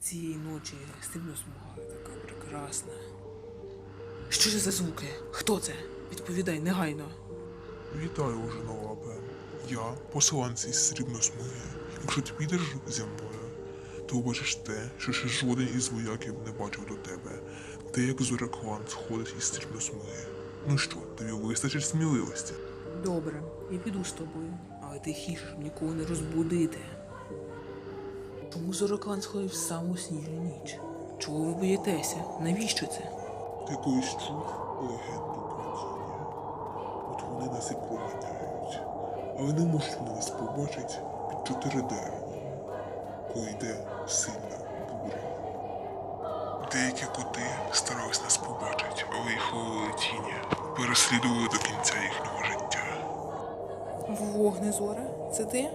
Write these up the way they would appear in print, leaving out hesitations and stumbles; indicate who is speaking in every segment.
Speaker 1: Цієї ночі срібна смуга така прекрасна. Що це за звуки? Хто це? Відповідай негайно.
Speaker 2: Вітаю, Ожинолапе. Я посланець із срібної смуги. Якщо ти підеш зі мною, то побачиш те, що ще жоден із вояків не бачив до тебе. Те, як Зореклан сходить із срібної смуги. Ну що, тобі вистачить сміливості?
Speaker 1: Добре, я піду з тобою, але тихіше, щоб нікого не розбудити. Чому Зороклан сходив в саму сніжну ніч? Чого ви боїтеся? Навіщо це?
Speaker 2: Ти колись чув легенду про тіні? От вони нас і проганяють. Але не можуть вони нас побачити під 4 дерева, коли йде сильна буря. Деякі коти старались нас побачити, але їх ловили тіні, переслідували до кінця їхнього життя.
Speaker 1: Вогнезоре, це ти?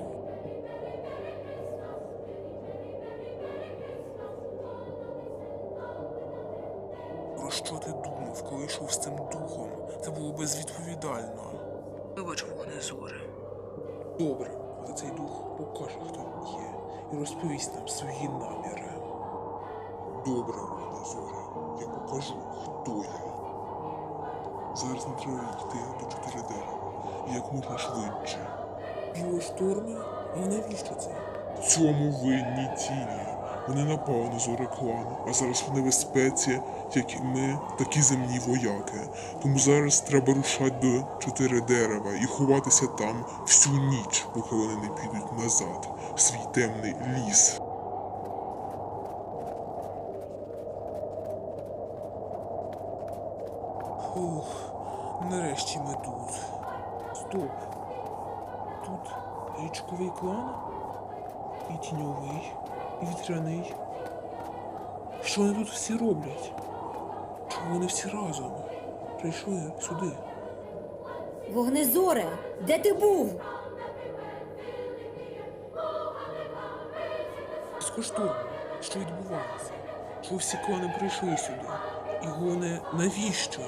Speaker 3: Про що ти думав, коли йшов з цим духом? Це було безвідповідально.
Speaker 1: Вибач, Вогнезоре.
Speaker 3: Добре, але цей дух покаже, хто він є, і розповість нам свої наміри.
Speaker 2: Добре, Вогнезоре, я покажу, хто я. Зараз не треба йти до 4 дерева, і як можна швидше.
Speaker 3: Білошторми? Але навіщо це?
Speaker 2: В цьому винні тіні. Вони напали на Зореклан, а зараз в небезпеці, як і ми, так і земні вояки. Тому зараз треба рушати до 4 дерева і ховатися там всю ніч, поки вони не підуть назад, в свій темний ліс.
Speaker 3: Фух, нарешті ми тут. Стоп. Тут річковий клан? І тіньовий, і вітряний. Що вони тут всі роблять? Чому вони всі разом прийшли сюди?
Speaker 4: Вогнезоре, де ти був?
Speaker 3: Безкоштовно, що відбувається? Чому всі клани прийшли сюди? І головне, навіщо?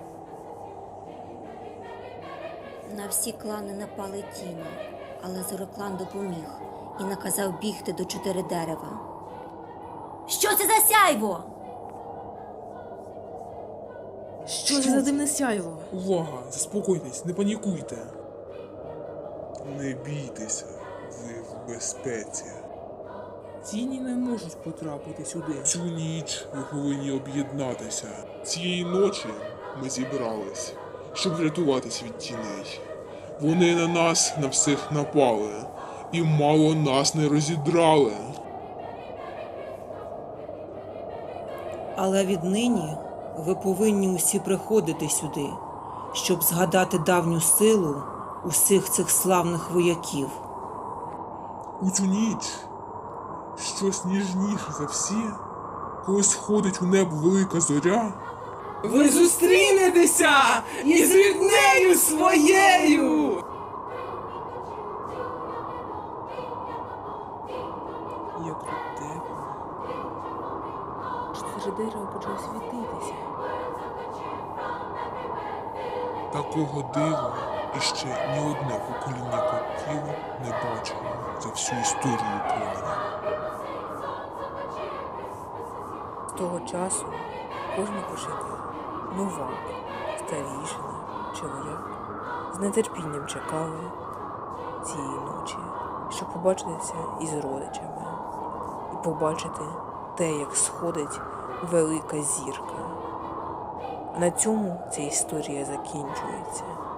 Speaker 4: На всі клани напали тіні, але Зороклан допоміг і наказав бігти до 4 дерева. Що це за сяйво?
Speaker 1: Що це за димне сяйво?
Speaker 3: Увага! Заспокойтесь, не панікуйте.
Speaker 2: Не бійтеся, ви в безпеці.
Speaker 3: Тіні не можуть потрапити сюди.
Speaker 2: Цю ніч ви повинні об'єднатися. Цієї ночі ми зібрались, щоб врятуватись від тіней. Вони на нас на всіх напали, і мало нас не розідрали.
Speaker 5: Але віднині ви повинні усі приходити сюди, щоб згадати давню силу усіх цих славних вояків.
Speaker 2: У цю ніч щось ніжніше за всі, коли сходить у небо велика зоря.
Speaker 1: Ви зустрінетеся із ріднею своєю!
Speaker 3: Як тут тепло.
Speaker 1: 4 дерева почали світитися.
Speaker 2: Такого дива іще ні одне покоління котів не бачило за всю історію кланів.
Speaker 1: З того часу кожен пошукав новак, старішина чи вояк з нетерпінням чекали цієї ночі, щоб побачитися із родичами і побачити те, як сходить велика зірка. На цьому ця історія закінчується.